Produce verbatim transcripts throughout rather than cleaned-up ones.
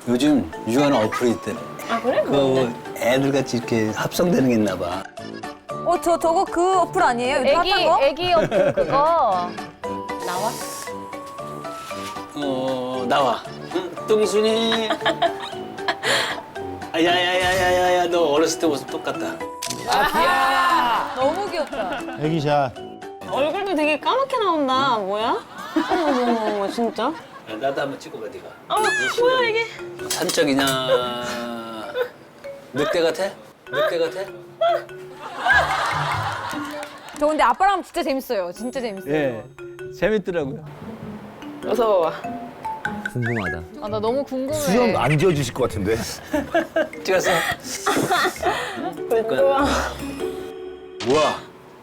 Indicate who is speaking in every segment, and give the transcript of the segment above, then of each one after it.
Speaker 1: 요즘 유행하는 어플이 있대.
Speaker 2: 아 그래?
Speaker 1: 그 애들 같이 이렇게 합성되는 게 있나 봐.
Speaker 3: 어, 저, 저거 그 어플 아니에요? 요즘
Speaker 2: 애기
Speaker 3: 핫한 거?
Speaker 2: 애기 어플 그거 나와?
Speaker 1: 어 나와. 응, 뚱순이. 아, 야야야야야야 너 어렸을 때 모습 똑같다.
Speaker 3: 너무 귀엽다.
Speaker 4: 애기샷.
Speaker 2: 얼굴도 되게 까맣게 나온다. 뭐야? 어머 어머 어머 진짜?
Speaker 1: 야, 나도 한번 찍어봐 네가.
Speaker 2: 어 뭐야 이게?
Speaker 1: 산적이냐? 늑대 같아? 늑대 같아?
Speaker 3: 저 근데 아빠랑 하면 진짜 재밌어요. 진짜 재밌어요.
Speaker 1: 예, 재밌더라고요.
Speaker 2: 어서 봐봐.
Speaker 5: 궁금하다.
Speaker 3: 아, 나 너무 궁금해.
Speaker 4: 수염 안 지워지실 것 같은데.
Speaker 1: 찍었어?
Speaker 2: 굿좋아.
Speaker 1: 뭐야?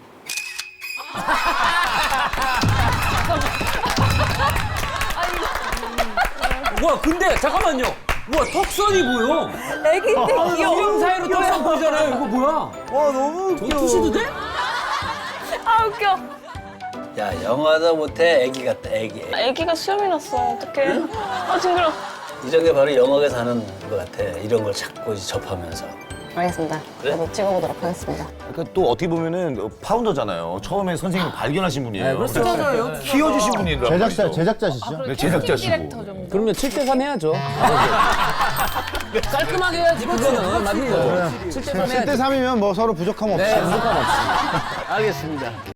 Speaker 5: 와 근데 잠깐만요. 와 턱선이 보여.
Speaker 3: 애기인데 귀여워.
Speaker 5: 수염 사이로 턱선 보이잖아요. 이거 뭐야?
Speaker 4: 와 너무
Speaker 5: 저 투시도 돼?
Speaker 3: 아, 웃겨.
Speaker 1: 야 영화도 못해 애기 같다 애기.
Speaker 2: 애기가 수염이 났어. 어떡해? 아 징그러.
Speaker 1: 이런 게 바로 영화에서 하는 것 같아. 이런 걸 자꾸 이제 접하면서.
Speaker 2: 알겠습니다.
Speaker 1: 그래?
Speaker 2: 저도 찍어보도록 하겠습니다.
Speaker 4: 그러니까 또 어떻게 보면은 파운더잖아요. 처음에 선생님을 발견하신 분이에요.
Speaker 5: 네, 그렇죠.
Speaker 4: 그래서 키워주신 분이라고.
Speaker 6: 제작자, 제작자시죠?
Speaker 4: 네, 제작자시고.
Speaker 5: 그러면 칠 대 삼 해야죠. 깔끔하게 해야지 그거는 맞는 거죠. 칠 대 삼
Speaker 6: 칠 대
Speaker 5: 해야지.
Speaker 6: 삼이면 뭐 서로 부족함 없이.
Speaker 5: 네, 부족함 없이.
Speaker 1: 알겠습니다.